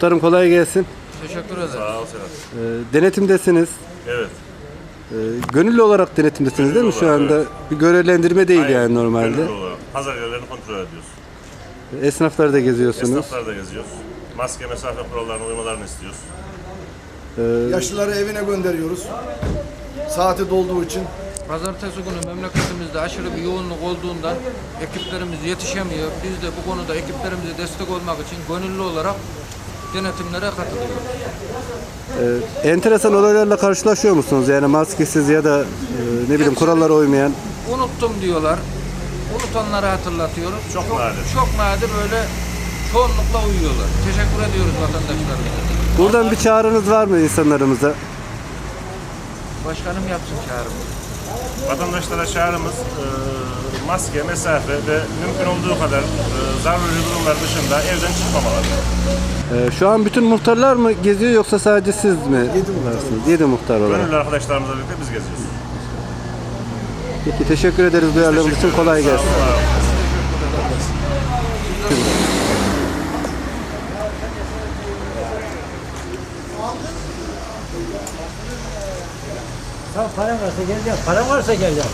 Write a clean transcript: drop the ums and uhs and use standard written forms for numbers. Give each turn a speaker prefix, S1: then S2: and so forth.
S1: Muhtarım kolay gelsin.
S2: Teşekkür ederim.
S3: Sağ ol Serhat.
S1: Denetimdesiniz.
S3: Evet.
S1: Gönüllü olarak denetimdesiniz değil mi şu
S3: olarak,
S1: anda?
S3: evet.
S1: Bir görevlendirme değil
S3: Aynen,
S1: yani normalde.
S3: gönüllü olarak. Pazar yerlerini kontrol ediyoruz.
S1: Esnafları da geziyorsunuz.
S3: Esnafları da geziyoruz. Maske, mesafe kurallarına uymalarını istiyoruz.
S4: Yaşlıları evine gönderiyoruz. Saati dolduğu için.
S2: Pazartesi günü memleketimizde aşırı bir yoğunluk olduğundan ekiplerimiz yetişemiyor. Biz de bu konuda ekiplerimize destek olmak için gönüllü olarak denetimlere katılıyoruz.
S1: Enteresan olaylarla karşılaşıyor musunuz? Yani maskesiz ya da ne bileyim kurallara uymayan.
S2: Unuttum diyorlar. Unutanları hatırlatıyoruz.
S3: Çok nadir.
S2: Çok nadir böyle çoğunlukla uyuyorlar. Teşekkür ediyoruz vatandaşlarımıza.
S1: Buradan bir çağrınız var mı insanlarımıza?
S2: Başkanım yapsın çağrımı.
S3: Vatandaşlara çağrımız maske, mesafe ve mümkün olduğu kadar zaruri durumlar dışında evden çıkmamaları.
S1: Şu an bütün muhtarlar mı geziyor yoksa sadece siz mi varsınız? 7 muhtar olarak.
S3: Gönüllü arkadaşlarımızla birlikte biz geziyoruz.
S1: Peki teşekkür ederiz duyarlılığınız için. Kolay gelsin.
S3: Sağ olun.
S5: Tamam, param varsa geleceğim. Param varsa geleceğim.